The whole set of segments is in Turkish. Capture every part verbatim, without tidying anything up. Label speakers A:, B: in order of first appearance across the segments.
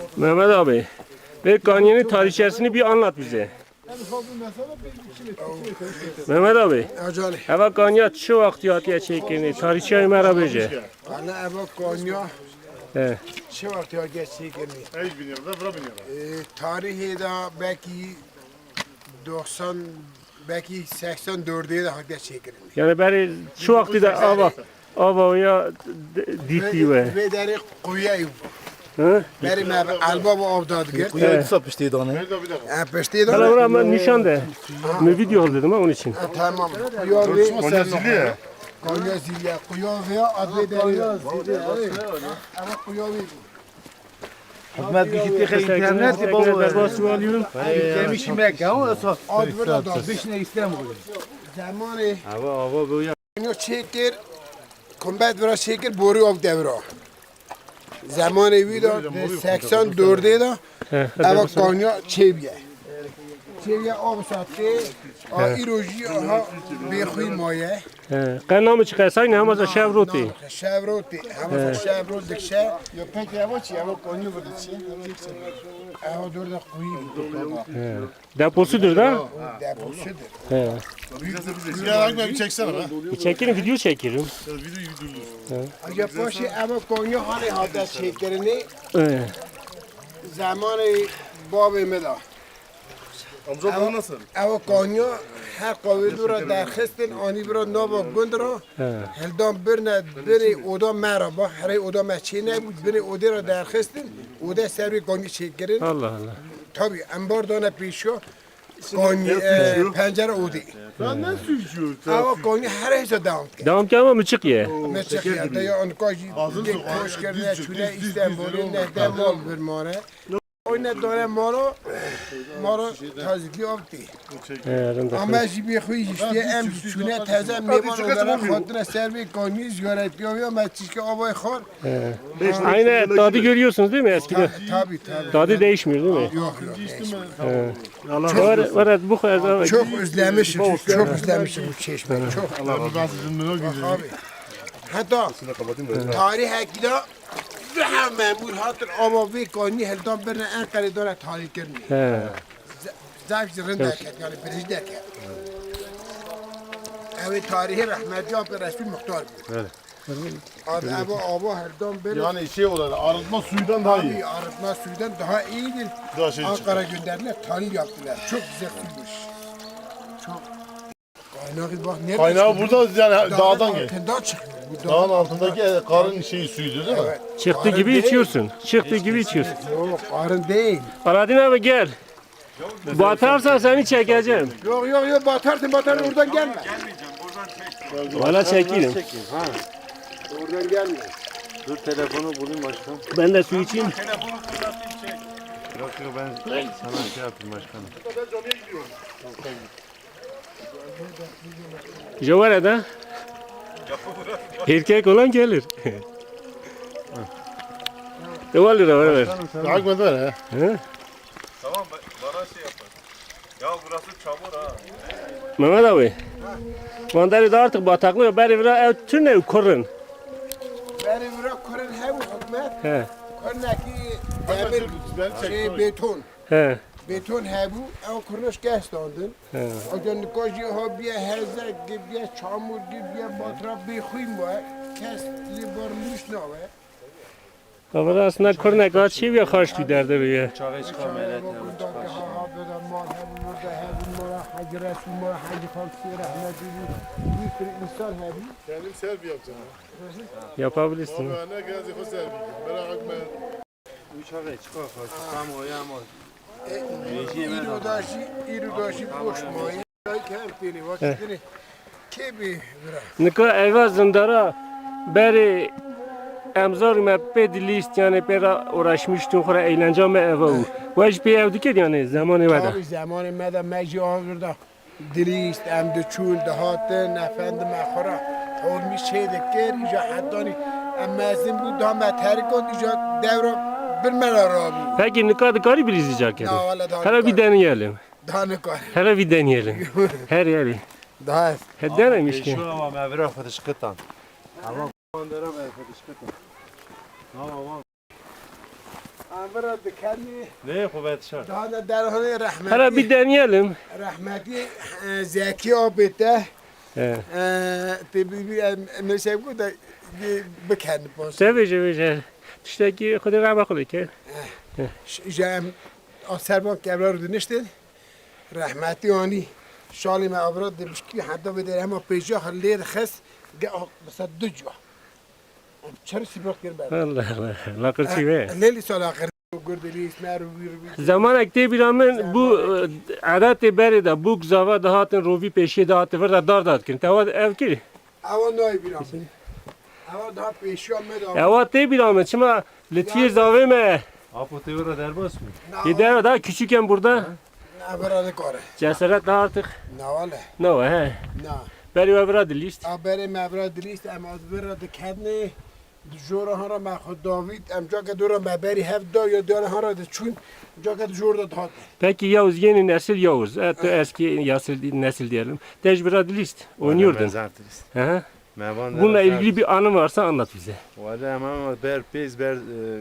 A: Mehmet abi, ve Kanya'nın tarihçesini bir anlat bize. Mehmet abi,
B: Acale.
A: eva Kanya şu vakti hatiye çekini, tarihçeyi merhaba bece.
B: Ana eva Konya
A: He,
B: çi vakti ha geçti geldi.
C: Hiç bilmiyorum da bura bilmiyorum.
B: Tarihi da belki doksan belki seksen dörde de hakikaten çekildi.
A: yani beri şu vakti de ava, ava ya dikti ve.
B: Ve deri kuyayı.
A: Hı?
B: Beri me alba bu avdadı gel.
D: Kuyayı sapıştı onu.
C: Nerede bir dakika.
B: Ha peşte
A: Hala
B: de.
A: bura ben nişan de. Ne video al dedim ha onun için.
B: Tamam. Kuya ve
C: Konya zili ya.
B: Konya zilya. Kuya ve adı deri. Ama kuya ve.
D: Hikmet bir gitti interneti baba.
A: Basıyor alıyorum.
D: Demiş Mekke ama esas.
B: Adı da da.
D: Beş ne İstanbul.
B: Zamanı
A: Hava hava bu ya.
B: Konya çekir. Kombat vera çekir boru av devra. Zamanı vida seksen dörde de
A: He,
B: eva Konya çeviye. Çeviye av sattı. A iroji ha bexuy maye.
A: he. Kanamı çıkarsan ne ama şevroti.
B: Şevroti. Ama şevrot dikşe.
C: Ya peki ya çi ya Konya burada çi.
B: Eva dörde kuyu.
A: Deposudur da.
B: Deposudur.
A: He.
C: Ya bak bir çeksene be.
A: Bir çekin video çekiyorum.
C: Ya videoyu durdur.
B: Acaba başı eva Konya hani hatta çekirini
A: He.
B: zamanı babamı da.
C: Amca bu nasıl?
B: Eva Konya her kavli dura derxistin ani bira nova gundra.
A: He.
B: Heldam birne biri oda merhaba, her oda meçine بود biri oda را درخستن oda servi Konya çekirin.
A: Allah Allah.
B: Tabii ambar dana پیشو Konya pencere odi.
C: Sen ne suçuyorsun?
B: Eva Konya her hesa devam ki.
A: Devam ki ama mıçık ye.
B: Ne çıkıyor da ya onkajı dik hoş kerine çüle İstanbul'un ne de mal bir mare. Oyna dönem maro maro tazikli avti.
A: He, rında.
B: Ama jibi خوی işte em çüne teze mevan olarak خاطر servi Konya ziyaret yapıyor. Ben çişke avay khar.
A: Aynı tadı görüyorsunuz değil mi eskiden?
B: Tabii tabii.
A: Tadı değişmiyor değil mi?
B: Yok yok.
A: Var, var bu kadar.
B: Çok özlemişim. Çok özlemişim bu çeşmeyi. Çok.
C: Allah ben sizin merak ediyorum.
B: Abi. Hatta tarih hakida daha memur hatır ama bir konu heldan birine en kare döne tarih görmüyor.
A: He.
B: Zayıf zırhın derken yani birinci derken. Evet tarihi rahmetli abi resmi muhtar bu.
C: Evet.
B: Abi abi abi heldan bir
C: Yani şey olarak arıtma suyundan daha iyi.
B: abi arıtma suyundan daha iyidir.
C: Daha şey
B: Ankara gönderdiler tarih yaptılar. Çok güzel suymuş. Çok. Kaynağı bak nerede?
C: Kaynağı burada yani dağdan gel.
B: Altından çıkıyor. Bu
C: Dağın altındaki karın şeyi suyuydu değil mi?
B: Evet.
A: Çıktı
B: Karın
A: gibi
B: değil.
A: içiyorsun. Çıktı gibi içiyorsun.
B: Yok karın değil.
A: Aladin abi gel. Batarsan seni çekeceğim.
B: Yok yok yok batarsın batarsın oradan gelme.
A: Valla çekelim.
B: Oradan gelme.
D: Dur telefonu bulayım başkanım.
A: Ben de su içeyim.
D: Yok yok ben sana şey yapayım başkanım.
A: Javara'da erkek olan gelir. Devam lira var ver.
C: Takip eder ha.
A: He?
E: Tamam bana şey yapar. Ya burası çamur ha.
A: Mehmet abi. Mandalya da artık bataklık. Beri biraz ev tüne korun.
B: Beni bırak kurun hem hükümet.
A: He.
B: Kurundaki demir şey beton.
A: He.
B: Beton hebu ev kuruluş gestandın.
A: He.
B: Ajan koji ha biye heze gibi çamur gibi batrap bir khuyum var. Kes libarmış ne var?
A: Ama aslında koruna kaçıyor ya karşı derdi bir.
D: Çağı çıkar melek.
B: Hacı Resulullah, Hacı Fakir, Rahmetli, bir sürü insan hebu.
C: Kendim selfie yapacağım.
A: Yapabilirsin.
C: Baba ne geldi o selfie. Merak etme.
D: Uçağı çıkar karşı. Tam o yağmur.
B: İrudaşı, irudaşı boş mayı. Kempini, vakitini. Kebi bırak.
A: Nika eva zindara beri emzar me ped list yani pera uğraşmıştım khora eğlence me eva u. Vaj pe ev diket yani zamanı vada.
B: Tabii zamanı meda meci ağırda. Dilist, em de çul, de hatın, efendim akhara. Olmuş şey de ker, ica hattani. Emmezin bu damet herikon ica devra bir melara bu.
A: Peki nika da gari bir izleyecek yani.
B: Ya valla daha
A: Hele bir deneyelim.
B: Daha ne kadar.
A: Hele bir deneyelim. Her yeri.
B: Daha
A: He denemiş ki.
D: Şu ama mevra fıdışkıtan. Ama kondera mevra fıdışkıtan. Tamam tamam.
B: Evra dikeni
D: Ne kuvvet şart.
B: daha da derhane rahmeti.
A: Hala bir deneyelim.
B: Rahmeti e, Zeki abite.
A: He.
B: Tabii bir mesela bu da bekendi pas.
A: Tabii tabii. İşte ki خدا رحمت کنه که
B: Jem Aserban kevlar dönüştün. Rahmeti ani şalim avrat demiş ki hatta bir de ama pejah halleri khas mesela dücwa. Çarşı bırak gel ben.
A: Allah Allah. La kırçı ve.
B: Leli sala kır gördüğü ismer bir
A: Zaman ekte bir amın bu adet beri de bu zava da hatın rovi peşi de hatı var da dar dar kin. Tava ev ki.
B: Ava noy bir am. Ava daha peşiyor med.
A: Eva te bir amın çıma litiye zave me.
D: Apo tevra derbas mı?
A: Gider daha küçükken burada
B: Avra kore.
A: cesaret da artık.
B: Na valla.
A: No he.
B: Na.
A: Beri ve bira list.
B: Abere mevra dilist ama adbera dikene jora hara ma khod David am jaga dora ma beri hev da ya dora hara de çun jaga jorda dhat.
A: Peki Yavuz yeni nesil Yavuz. Evet, eski nesil nesil diyelim. Tecbira list. Oynuyordun.
D: Mezartırız.
A: He.
D: Mevan
A: Bununla ilgili bir anı varsa anlat bize.
D: Valla ama ber pez ber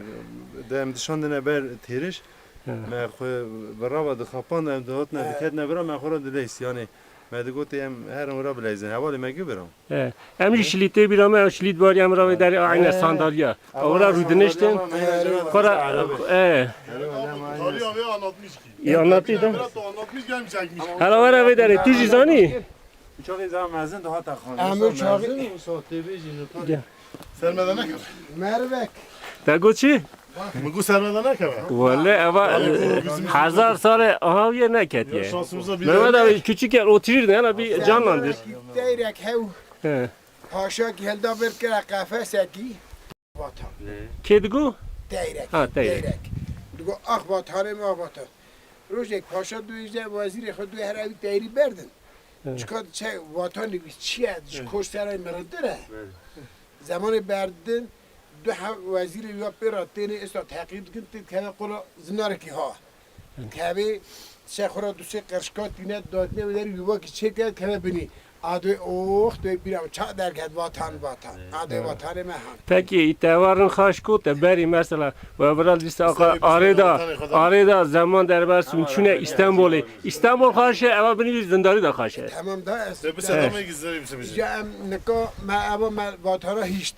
D: dem dışandına ber teriş. Me xwe berava de xapan em de hotne diket ne bera me xora de leys yani me de gote em her ora bilezin havali me giberam.
A: He. Hem şilite bir ama şilit var yamra ve der aynı sandalye. Ora rudneşten. Kora e.
C: Tarihi abi anlatmış ki.
A: İyi anlattıydım.
C: Biraz da anlatmış gelmiş çekmiş.
A: Hala var ve der tu jizani.
D: Çok zaman mezin de hata xan.
B: Amir çağı-
D: sohte bejin.
C: Sermeden ne kadar?
B: Mervek.
A: Da goçi.
C: Mıgu sermeden ne kadar?
A: Vallahi eva hazar sare aha yer ne ket
C: Ya
A: ye.
C: şansımıza bir
A: Mehmet abi küçükken otururdu hala bir canlandır.
B: Deyrek hev
A: He.
B: haşa ki helda bir kere kafese ki vatan.
A: Kedigu?
B: Deyrek.
A: Ha, deyrek.
B: Digo ah vatanı mı ah vatan. Rojek paşa duyuze vaziri خود دوی هر اوی دیری بردن. چکار چه وطنی بیست چیه؟ کش سرای مرده زمان بردن دو وزیر یا پیراتین استا تحقیق کن تید که قلا زناره کی ها. که چه خورا دو سه قرشکات دینه دادنه و داری یوبا که چه کرد که بینی آدوی اوه دوی بیرم çak derken vatan vatan. Adı vatanı mehan.
A: Peki itevarın haşku te beri mesela ve biraz liste arada arada zaman derber sunçune İstanbul'u İstanbul haşe eva beni zindari da haşe.
B: Tamam da es.
C: Sebebi sedamaya gizleri bir sebebi.
B: Ya em neka ma ava ma vatana hiç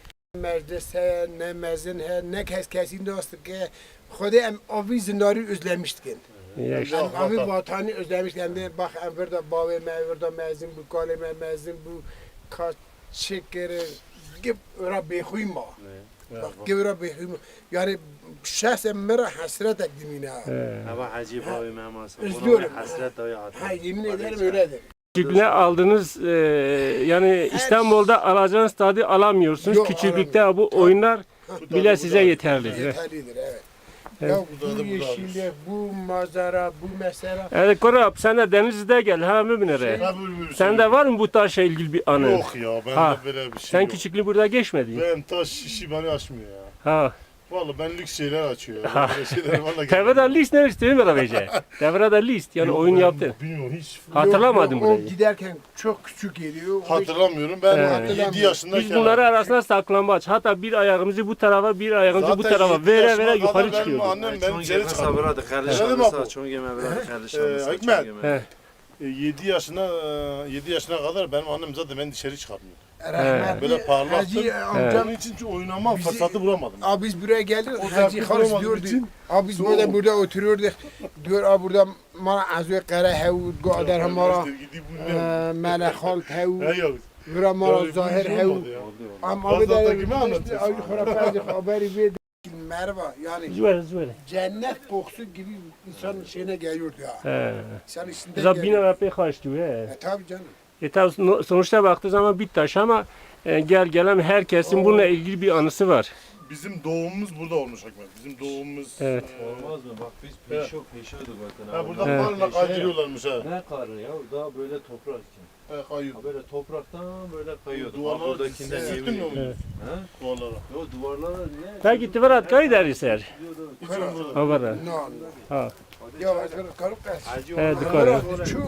B: meclise ne mezin he ne kes kesin dostum ki خودی ام آوی زنداری özlemiştik.
A: Ya işte.
B: Em avi vatanı özlemiştik. Hem de bak em burada bavi mevurda mezin bu kaleme mezin bu kaç şekeri gibi öyle beyhuyma. Bak gibi öyle beyhuyma. Yani şahsen mera hasret ekdimine.
D: Hava hacı bavi meması.
B: Üzülüyorum.
D: Hasret daya hatı.
B: Ha yemin ederim öyledir.
A: Küçüklüğüne aldığınız e, yani İstanbul'da alacağınız tadı alamıyorsunuz.
B: Yok,
A: Küçüklükte bu oyunlar bile size yeterlidir.
B: Yeterlidir evet. Ya bu yeşillik, bu manzara, bu mesela.
A: Evet Korap sen de Denizli'de gel ha müminere. Sen de var mı bu taşla ilgili bir anı?
C: Yok ya ben
A: Ha,
C: de böyle bir şey
A: Sen
C: yok.
A: küçüklüğü burada geçmedin.
C: Ben taş işi beni açmıyor ya.
A: Ha.
C: Vallahi ben lüks şeyler açıyor ya. Ben böyle şeyler vallahi.
A: Tevrada list ne istiyorsun bana bence? Tevrada list yani
C: Yok,
A: oyun
C: ben
A: yaptın.
C: Bilmiyorum hiç.
A: Hatırlamadım
B: Yok, yok, o
A: burayı.
B: giderken çok küçük geliyor.
C: Hatırlamıyorum. Ben
A: Evet.
C: yedi yaşındayken.
A: Biz bunları arasında saklambaç. Hatta bir ayağımızı bu tarafa, bir ayağımızı bu
C: Zaten
A: tarafa
C: yedi
A: vere
C: yaşıma
A: vere
C: kadar
A: yukarı
C: benim
A: çıkıyorduk.
C: annem beni
D: Çon
C: içeri
D: geme
C: çıkardı.
D: sabıradı kardeş
C: Evet,
D: alırsa.
C: bak bu.
D: Çon geme bıradı kardeş
C: Ee,
D: alırsa.
C: Hikmet.
A: He.
C: yedi yaşına yedi yaşına kadar benim annem zaten beni dışarı çıkarmıyor.
B: Rahmetli
C: Böyle parlattım.
B: Hacı amcam
C: Onun için hiç oynama
B: Bizi-
C: fırsatı bulamadım.
B: Abi biz buraya geldik.
C: O
B: Hacı
C: zevki
B: Halis
C: bulamadığım
B: diyordu.
C: için
B: Abi biz
C: soğuk.
B: burada burada oturuyorduk. Diyor abi burada bana azve kara hevud go'adar hamara
C: Gidip bu ne?
B: mala khalt hevud.
C: He yok.
B: Vura mara
C: Böyle bir
B: zahir
C: şey
B: hevud.
C: olmadı ya.
B: Ama abi
C: Bazı
B: de
C: kime anlatıyorsun?
B: Abi khurafat haberi bir merva yani
A: Züver züver.
B: cennet kokusu gibi insanın şeyine geliyordu ya.
A: He.
B: İnsan içinde
A: Zabina
B: geliyor.
A: ve pek haştı he.
B: E tabi canım.
A: E tabi no- sonuçta baktığı zaman bir taş ama e, gel gelen herkesin bununla ilgili bir anısı var.
C: Bizim doğumumuz burada olmuş Hikmet. Bizim doğumumuz.
A: Evet.
D: Olmaz mı? Bak biz peşo peşoyduk zaten.
C: Ha burada
A: He.
C: karnına kaydırıyorlarmış ha.
D: Ne karı ya? Daha böyle toprak için.
C: He kayıyor.
D: Ha böyle topraktan böyle kayıyorduk.
C: Duvarlara
D: Ha buradakinden
C: sürttün mü
D: yemin
C: onu?
A: Evet.
D: Ha?
C: Duvarlara.
D: Yo duvarlara ne?
A: Peki tıvarat kayı deriser.
C: Hiç umurumda.
A: Ha var.
B: No.
A: Ha.
B: Ya azve karup kas.
D: Hacı
A: He
D: olmaz.
A: dikkat.
B: Şu.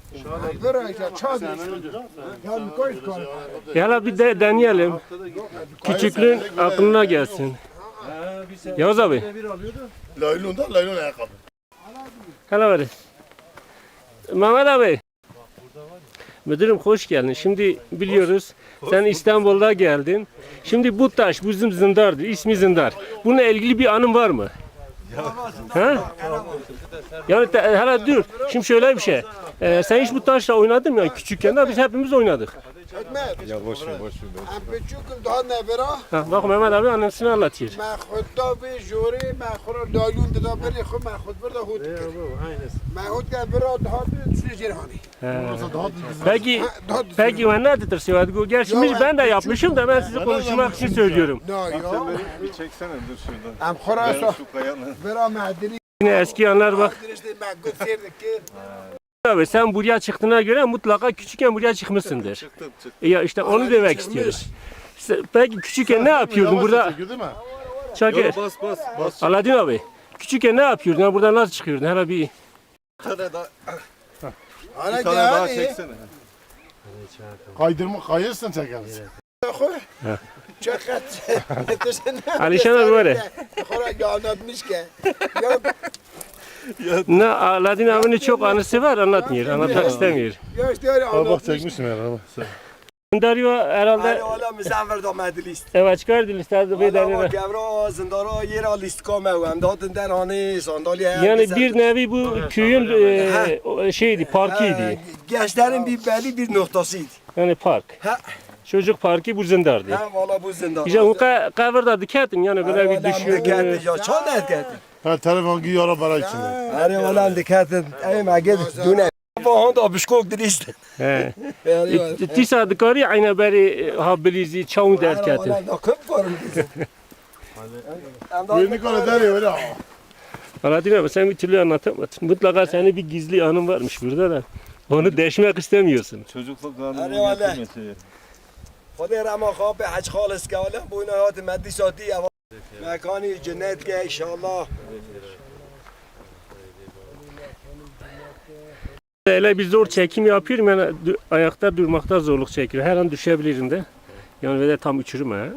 B: Vura ya çadı. Ya mikoy kar.
A: Hala bir de deneyelim.
D: Haftada git.
A: Küçüklüğün aklına gelsin.
D: Ha,
A: Yavuz abi.
C: Laylon'da laylon ayakkabı.
A: Hala var. Mehmet abi. Müdürüm hoş geldin. Şimdi biliyoruz sen İstanbul'da geldin. Şimdi bu taş bizim zindardır. İsmi Zindar. Bununla ilgili bir anın var mı? Ha? Yani te- hala dur. Şimdi şöyle bir şey. Ee, sen hiç bu taşla oynadın mı? Yani küçükken de biz hepimiz oynadık.
B: Hikmet.
E: Ya boş ver boş ver.
B: Em küçüktüm daha ne bera.
A: Ha, bak Mehmet abi annesini anlatıyor.
B: Ben xudda ve jori ben xura dalun da beri xu ben xud burada hut. Ben hut kan bera daha bir sürü cerhani.
A: Peki, peki ben nerededir Sevat? Gerçi
B: Ya,
A: biz- ben de yapmışım da ben size konuşmak için söylüyorum.
B: Na ya.
E: Bir çeksene dur şuradan.
B: Em xura so
E: Şu kayanın.
B: bera madeni.
A: Yine eski anlar bak.
B: İşte ben gösterdik ki.
A: Abi sen buraya çıktığına göre mutlaka küçükken buraya çıkmışsındır.
E: Çıktım çıktım.
A: Ya işte onu demek istiyorum. Sen- Peki küçükken ne yapıyordun burada?
C: Çekiyor değil mi?
A: Çakır.
E: Bas bas bas.
A: Aladin abi. Küçükken ne yapıyordun? Ya burada nasıl çıkıyordun? Hele bir
E: Bir tane daha,
B: Ana
E: bir tane daha
B: gel.
E: çeksene.
C: Kaydırma kayırsan çekeriz.
B: Çakat.
A: Alişan abi var ya.
B: Xura ya anlatmış ki. Ya
A: Ne Aladin abinin çok anısı var anlatmıyor. Anlatmak istemiyor.
B: ya işte öyle
C: Aa bak
B: anlatmış.
C: çekmişim herhalde.
A: Dario herhalde
F: حالا مسافر دامد لیست
A: evet çıkardı listede
F: حالا
A: bedeni.
F: گورا زندارا یه را لیست کامه و امداد در هانه ساندالی
A: Yani bir nevi bu köyün e, o şeydi, parkıydı.
F: گشترین بی بلی bir noktasıydı.
A: Yani park.
F: Ha,
A: Çocuk parkı bu zindardı.
F: ha valla bu zindar.
A: İşte o ka- kavurda diketin yani böyle bir düşüyor.
F: Dikkat ya çan dikkat.
C: Ha telefon giyiyor ara bara içinde.
F: Hadi valla dikkat. Ey maged dune. Vahan da bişkok dirist.
A: He.
F: Yani
A: Tisa dikari ayna beri ha bilizi çaun derketin.
F: valla da kıp varım.
C: Birini konu der ya öyle.
A: Aladin abi sen bir türlü anlatamadın. Mutlaka senin bir gizli anın varmış burada da. Onu deşmek istemiyorsun.
E: Çocukluk
F: Hadi
E: anını
F: vallahi.
E: getirmesi.
F: خدا رما خواب حج خالص که حالا بونا هات مدی ساتی مکانی جنت که انشالله
A: Öyle bir zor çekim yapıyorum yani du- ayakta durmakta zorluk çekiyorum. Her an düşebilirim de. Yani ve de tam uçurum ha.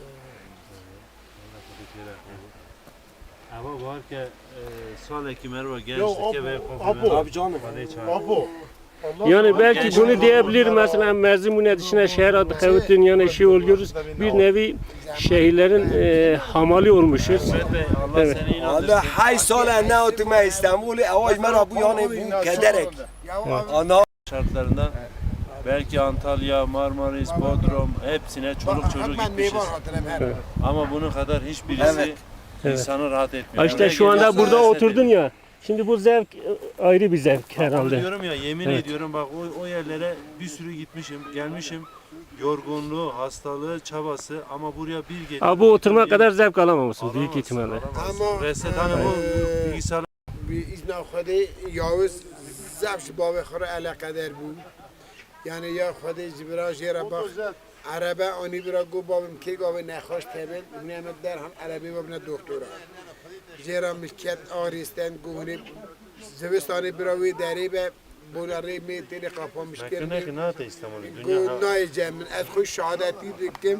G: Ama var ki e, sonraki merhaba
C: Yo
G: gençlik ve
C: apo apo.
F: abi canım
C: Apo.
A: Yani belki bunu diyebilir mesela Merzimun'un dışına şehir adı kavutin yani şey oluyoruz. Bir nevi şehirlerin e, hamali olmuşuz.
G: Mehmet Bey Allah
A: Evet.
G: seni
F: حالا
G: inandırsın.
F: هشت سال نه تو من استانبول اواج مرا بو یانه بو کدرک آنا
G: Şartlarında belki Antalya, Marmaris, Bodrum hepsine çoluk çocuk
B: Ben
G: gitmişiz.
B: meyvan hatırlamıyorum.
G: Ama bunun kadar hiçbirisi
A: Evet.
G: insanı rahat etmiyor.
A: Ha işte
G: Buraya
A: şu anda
G: geliyorsun,
A: burada
G: hasret
A: oturdun
G: ediyorsun.
A: ya. Şimdi bu zevk e, ayrı bir zevk
G: Onu
A: herhalde.
G: diyorum ya yemin
A: Evet.
G: ediyorum bak o, o yerlere bir sürü gitmişim, gelmişim. Yorgunluğu, hastalığı, çabası ama buraya bir geliyor.
A: Ha, bu oturma kadar zevk alamamışsın büyük
G: Alamazsın,
A: ihtimalle.
G: alamazsın.
B: Ama,
G: Reset hani bu
B: eee,
G: bilgisayar
B: bir izna خدا یاوز زبش باب خورا علا قدر بود یعنی یا خدا جبرا جیرا باخ عربه آنی برا گو بابم کی گاوه نخواش تبل نعمت در هم عربی بابنا دکتورا جیرا مشکت آریستن گونه زوستانی براوی دری به بولاری می تیری قفا مشکل
G: hakkında ki ne yaptı İstanbul'u? Dünya
B: گو نای جمن از خوش شهادتی دکم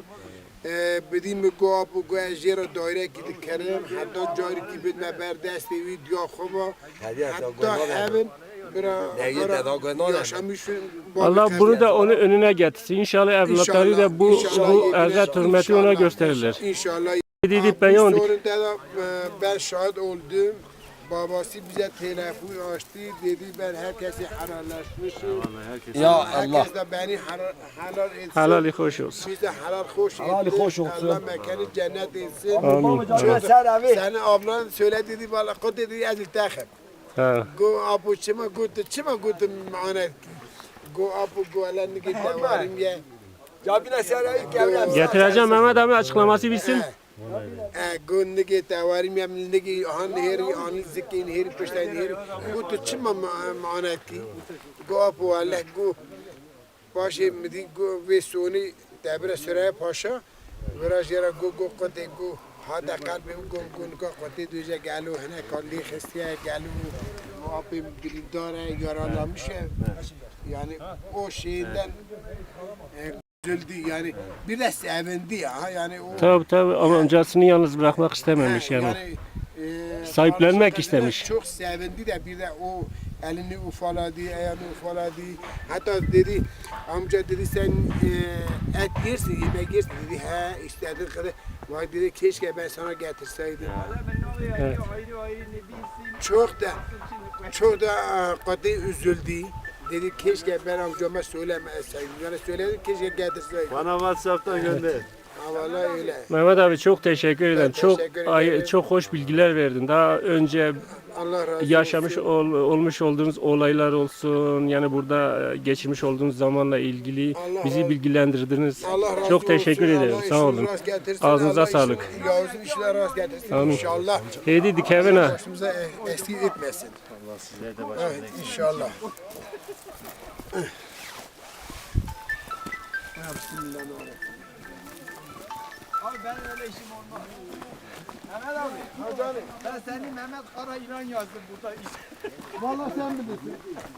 B: بدیم گو آب و گو از جیرا دایره کی دکرم حتی جاری کی بد مبر دستی ویدیو خوبا حتی همین برا
F: Neyi dedi, gönül alem.
B: yaşamışım.
A: Allah bunu da onu önüne getirsin. İnşallah evlatları da bu
B: İnşallah,
A: bu
B: inşallah,
A: erzat hürmeti ona
B: inşallah,
A: gösterirler.
B: İnşallah.
A: Dedi ben yandık.
B: Sonunda da e, ben şahit oldum. Babası bize telefon açtı. Dedi ben herkesi helallaşmışım.
F: Ya Allah
B: Herkes de beni helal, helal etsin.
A: Helali hoş olsun.
B: Biz de helal hoş
F: Helali
B: ettik.
F: hoş olsun.
B: Allah mekanı cennet etsin.
A: Amin.
F: canına ser abi
B: Senin ablan söyle dedi valla kod dedi az iltahım.
A: Ha.
B: Go apu çima gut çima gut manet. Go apu go alan git varim ye.
F: Cabine ser abi kevre
A: Getireceğim Mehmet abi açıklaması bitsin.
B: Go nige varim ye nige han heri an zikin heri pişten heri. Gut çima manet ki. Go apu Allah go. Başı midi go ve soni tabire sıraya paşa. Biraz yere go go kote go. هذا قلبي وقوم قوم قوتي دوجا قالوا هنا قال لي خستيا قالوا ابي بلداره يرى الله مش يعني او شيء üzüldü yani bir de sevindi ya yani o
A: Tabii tabii ama amcasını yalnız bırakmak istememiş
B: He,
A: yani.
B: e,
A: Sahiplenmek
B: kardeşler de
A: istemiş.
B: Çok sevindi de bir de o elini ufaladı, ayağını ufaladı. Hatta dedi amca dedi sen e, et yersin, yemek yersin dedi. He istediğin kadar. Vay dedi keşke ben sana getirseydim.
A: Evet.
B: Çok da çok da e, katı üzüldü. Dedi keşke ben amcama söylemeseydim. Yani söyledim keşke getirseydim.
D: Bana WhatsApp'tan gönder.
B: Ha vallahi öyle.
A: Mehmet abi çok teşekkür ederim. Çok
B: teşekkür
A: ay-
B: ederim.
A: çok hoş bilgiler verdin. Daha önce
B: Allah razı olsun.
A: yaşamış ol- olmuş olduğunuz olaylar olsun. Yani burada geçirmiş olduğunuz zamanla ilgili
B: Allah
A: bizi
B: razı-
A: bilgilendirdiniz.
B: Allah razı
A: Çok teşekkür
B: olsun.
A: ederim.
B: Allah
A: Sağ olun.
B: işini rast getirsin.
A: Ağzınıza
B: Allah
A: sağlık.
B: işini- Yavuz'un işine rast getirsin
A: Amin.
B: inşallah.
A: Heydi dikevin ha.
B: Başımıza e- eksik etmesin.
D: Allah sizler de
B: Evet inşallah.
F: Abi benim öyle işim olmaz. Mehmet abi. Ben seni Mehmet Kara İnan yazdım burada.
B: Vallahi sen bilirsin.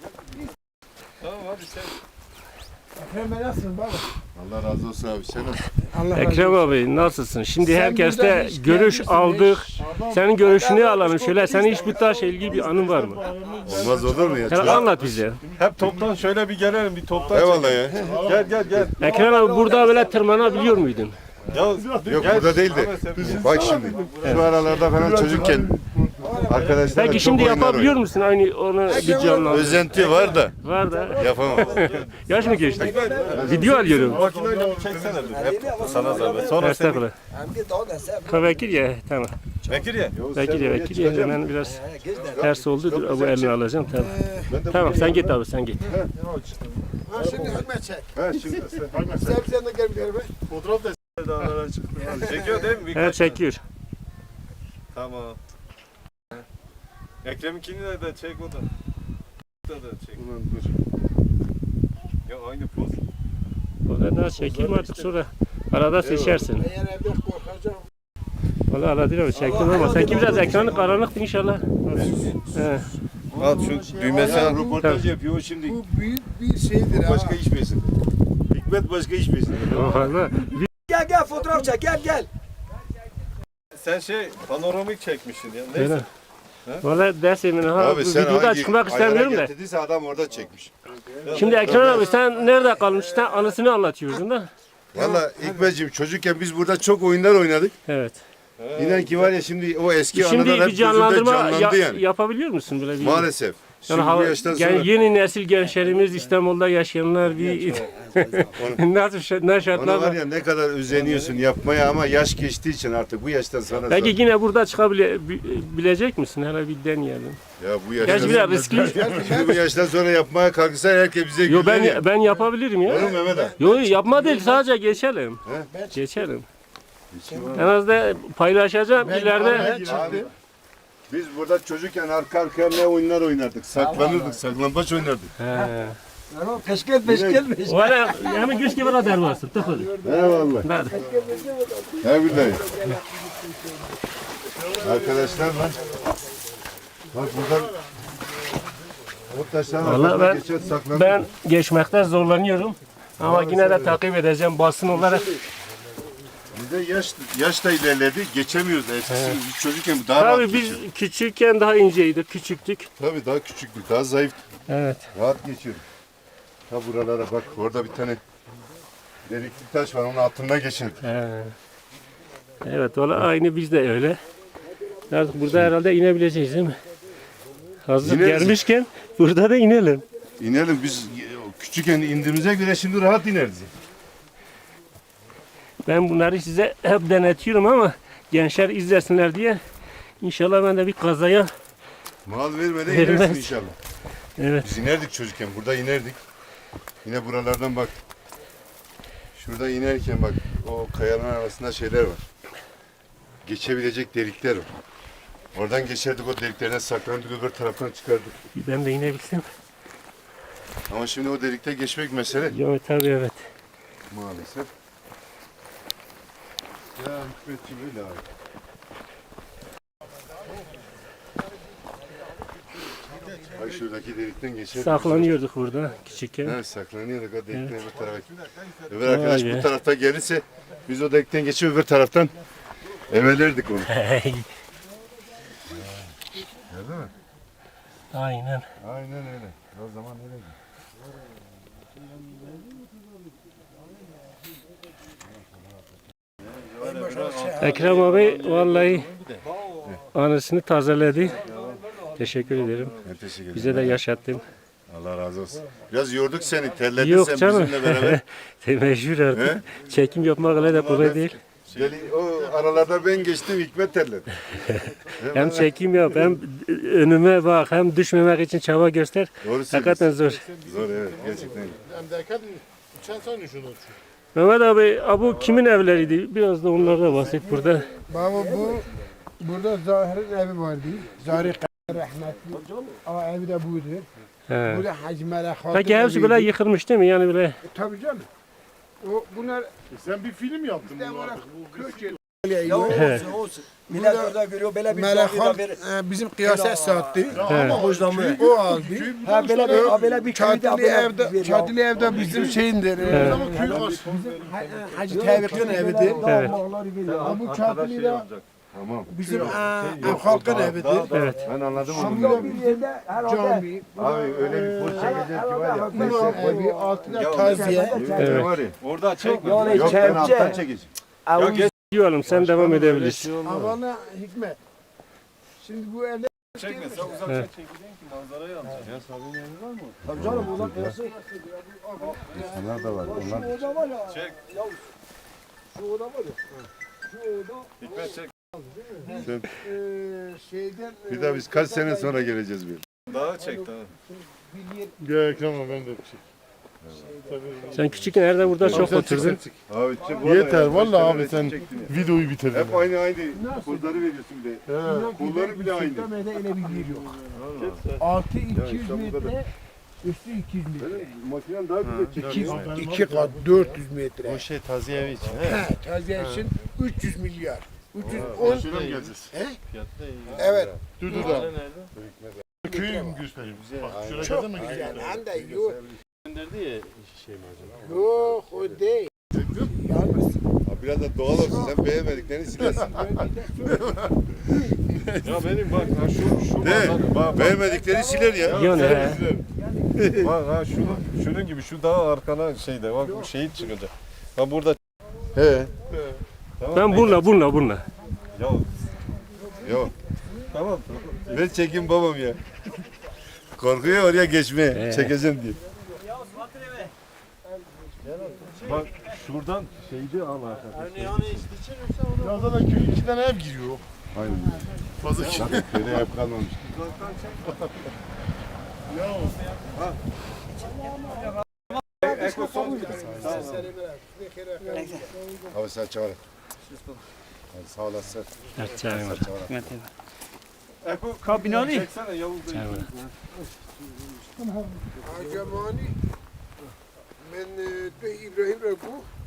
E: Tamam abi sen.
B: Ekrem nasılsın baba?
C: Allah razı olsun abi. Sen nasılsın?
B: Allah
A: Ekrem abi nasılsın? Şimdi
B: Sen
A: herkeste
B: burada hiç
A: görüş
B: gelmişsin,
A: aldık.
B: hiç-
A: Senin görüşünü alalım. Şöyle senin hiç bu taşla ilgili bir anın var mı?
C: Olmaz olur mu ya?
A: Sen anlat bize.
E: Hep toptan şöyle bir gelelim bir toptan.
C: Eyvallah ya.
E: Gel gel gel.
A: Ekrem abi burada böyle tırmanabiliyor muydun?
E: Ya,
C: Yok burada değil de. Bak şimdi. Şu aralarda falan çocukken arkadaşlar
A: Peki şimdi yapabiliyor musun aynı onu bir canlı?
C: Özenti var da
A: Var da.
C: yapamam.
A: Yaş mı geçti? Video alıyorum.
E: makineyle bir çeksene dur. Hep sana zahmet. Sonra sen.
A: Estağfurullah.
F: Hem de daha da sen.
A: Ha, Vekil ya tamam.
E: Bekir ya.
A: Vekil ya vekil ya hemen biraz ters oldu. Dur bu elini alacağım tamam. Tamam sen git abi sen git.
B: Ha şimdi hürmet çek.
C: Ha şimdi sen
B: Sen sen de gel bir yere be.
E: Fotoğraf da dağlara çıktı. Çekiyor değil mi? Birkaç
A: Evet çekiyor.
E: Tamam. Ekrem'inkini de, de çek o da. Da da çek.
C: Ulan dur.
E: Ya aynı poz.
A: O kadar çekeyim artık sonra arada seçersin.
B: Eğer evde korkacağım.
A: Valla arada değil mi? Çektim ama sanki biraz ekranı karanlıktı inşallah. He.
C: Al şu düğmesine röportaj yapıyor şimdi.
B: Bu büyük bir şeydir ha.
C: Başka iş besin. Hikmet başka iş besin.
A: Valla
F: Gel gel fotoğraf çek gel gel.
E: Sen şey panoramik çekmişsin ya.
A: öyle.
E: Neyse.
A: Valla ders emine ha.
C: Abi
A: Bu
C: sen
A: videoda
C: hangi
A: çıkmak
C: ayara
A: istemiyorum da.
C: getirdiyse adam orada çekmiş.
A: Şimdi Ekrem abi sen nerede kalmıştın? Anısını anlatıyordun da.
C: Valla Hikmetciğim çocukken biz burada çok oyunlar oynadık.
A: Evet.
C: İnan ki var ya şimdi o eski
A: Şimdi
C: anılar hep
A: bir canlandırma
C: gözümde canlandı
A: ya-
C: yani.
A: yapabiliyor musun böyle bir?
C: Maalesef. Şimdi
A: Yani,
C: bu
A: hava-
C: yaştan sonra
A: yani yeni nesil gençlerimiz İstanbul'da yaşayanlar bir nasıl şa- ne
C: ona
A: şartlar
C: var
A: var?
C: ya ne kadar özeniyorsun yapmaya ama yaş geçtiği için artık bu yaştan sonra
A: Peki
C: zor.
A: yine burada çıkabilecek misin? Hele bir deneyelim.
C: Ya bu yaştan
A: Gerçi biraz riskli.
C: Şimdi bu yaştan sonra yapmaya kalkırsan herkes bize
A: Yo
C: güler ya.
A: ben ben yapabilirim ya.
C: Oğlum Mehmet abi.
A: Yo yapma değil sadece geçelim. Geçelim. En az da paylaşacağım ileride.
C: Abi, biz burada çocukken arka arkaya ne oyunlar oynardık. Saklanırdık, saklambaç oynardık.
A: He.
F: Peşkel peşkel peşkel.
A: Valla hemen güç gibi radar varsın. Tıkıl.
C: Eyvallah.
A: Hadi.
C: He billahi. Arkadaşlarla bak buradan o taşların
A: Vallahi
C: arkasına
A: ben-
C: geçer saklanırdık.
A: Ben geçmekte zorlanıyorum. Ama yine de takip edeceğim basın olarak.
C: Bizde yaş, yaş da ilerledi, geçemiyoruz eskisi. Biz çocukken daha rahat
A: Tabii biz
C: geçiyorduk.
A: küçükken daha inceydik, küçüktük.
C: Tabii daha küçüktük, daha zayıftık.
A: Evet.
C: Rahat geçiyorduk. Ta buralara bak, orada bir tane delikli taş var, onun altında geçerdik.
A: He. Evet, valla aynı biz de öyle. Artık burada herhalde inebileceğiz değil mi? Hazır
C: İneriz.
A: gelmişken burada da inelim.
C: İnelim, biz küçükken indiğimize göre şimdi rahat ineriz.
A: Ben bunları size hep denetiyorum ama gençler izlesinler diye. İnşallah ben de bir kazaya.
C: Mal vermeden
A: Vermez.
C: inersin inşallah.
A: Evet.
C: Biz inerdik çocukken, burada inerdik. Yine buralardan bak. Şurada inerken bak, o kayanın arasında şeyler var. Geçebilecek delikler var. Oradan geçerdik, o deliklerine saklandık, öbür taraftan çıkardık.
A: Ben de inebilsem.
C: Ama şimdi o delikte geçmek mesele.
A: Evet tabii evet.
C: Maalesef. Ya Hikmetciğim öyle abi. Bak şuradaki delikten geçer.
A: Saklanıyorduk burada küçükken.
C: Evet saklanıyorduk o delikten öbür tarafa. Öbür arkadaş
A: Vay be.
C: bu tarafta gelirse biz o delikten geçip öbür taraftan evelerdik onu. Gördün mü?
A: Aynen.
C: Aynen öyle. O zaman öyle.
A: Ekrem abi vallahi anısını tazeledi. Teşekkür ederim.
C: Ben teşekkür ederim.
A: Bize de yaşattın.
C: Allah razı olsun. Biraz yorduk seni, terledin
A: Yok
C: sen
A: canım.
C: bizimle beraber.
A: Meşhur artık. Çekim yapmak öyle de kolay değil.
C: Deli, o aralarda ben geçtim, Hikmet terledi.
A: Hem çekim yap hem önüme bak hem düşmemek için çaba göster.
C: Doğru
A: Hakikaten
C: söylüyorsun.
A: zor.
C: Zor evet, gerçekten.
A: Mehmet abi, bu kimin evleriydi? Biraz da onlardan bahset burada.
B: Baba bu burada Zahir'in evi vardı. Zahir rahmetli. O evi de buydu.
A: He.
B: Bu da Hacı Melek Hatun
A: Peki hepsi böyle
B: eviydi.
A: yıkılmış değil mi? Yani böyle
B: E, Tabii canım. O bunlar
E: Sen bir film yaptın
B: işte
E: bu
B: olarak
E: arada.
B: köç yeri.
F: Ya olsun olsun. Millet orada görüyor böyle bir
B: Melek
F: cami
B: Han
F: de bir
B: e, bizim kıyaset sattı.
A: He.
F: hocamı.
B: O aldı.
F: Ha böyle bir ha, böyle bir köyde
B: Çadili
F: böyle
B: evde,
F: bir-
B: çadili evde bizim şeyindir. e, Ha- Hacı Tevfik'in evidir.
A: Evet.
B: Ha, bu çadili de
C: Tamam.
B: bizim e, e, halkın evidir.
A: Evet.
C: Ben anladım onu.
F: Burada bir yerde herhalde
B: Cami.
C: Abi öyle bir poz çekeceğiz ki var ya.
B: Bunun evi altında taziye.
A: Evet.
C: Var ya.
E: Orada çek.
F: yani
C: Yok ben alttan
F: çevçe.
C: çekeceğim.
A: Diyorum sen devam edebilirsin.
B: Havana Hikmet. Şimdi bu evde
E: Çekme sen uzaktan
A: Evet.
E: çekeceksin ki manzarayı alacaksın.
F: Tabii canım oradan kıyası.
C: Onlar da var. Onlar
F: Şu oda var ya.
E: Çek.
F: Ya şu oda var ya. Şu oda.
E: Hikmet çek.
B: e, şeyden e,
C: bir daha biz kaç sene sonra geleceğiz bir.
E: Daha çek daha.
B: bir yer
E: Gel Ekrem abi ben de bir şey.
A: Sen küçükken nerede burada çok oturdun.
C: Abi çık.
E: Yeter vallahi abi sen
C: Çektim ya.
E: videoyu bitirdin.
C: Hep aynı aynı pozları veriyorsun bir de. Kolları bile aynı.
B: Sultanbey'de öyle bir yer yok. Altı iki yüz
C: İstanbul'da da-
B: metre, üstü iki yüz metre.
C: Benim makinem daha güzel
B: İki,
C: çekiyor.
B: iki kat dört yüz metre.
D: O şey taziye evi için.
B: He, taziye için üç yüz milyar. üç yüz on.
E: Şuna mı geleceğiz?
B: Evet.
E: Dur dur da. Köyü mü göstereyim? Bak şuna
B: Çok
E: kadar mı
B: güzel.
E: gidiyor?
B: Hem de yok.
D: Gönderdi ya şey mi acaba?
B: Yok o değil. Yalnız.
C: Abi biraz da doğal olsun. Sen beğenmediklerini silersin.
E: Ya benim bak ha şu şu
C: De,
E: manzara- bak,
C: beğenmedikleri siler ya.
A: Yani he.
E: bak ha şunun şunun gibi şu daha arkana şeyde bak bu şehit çıkacak. Ha burada
C: He.
E: tamam.
A: Ben bununla bununla bununla.
E: Ya
C: Yok.
E: tamam.
C: Ben çekim babam ya. Korkuyor oraya geçmeye.
A: He.
C: Çekeceğim diye.
E: Bak şuradan şeydi al arkadaşlar. Ya zaten köyün iki tane ev giriyor.
C: Aynen.
E: Fazla kişi.
C: Köyde hep kalmamış. Abi sen çağır. Hadi sağ olasın.
A: Evet, çayım var.
E: Eko kabinani. Çeksene Yavuz Bey.
A: Çayım var.
B: Acemani. Ben de İbrahim Reku.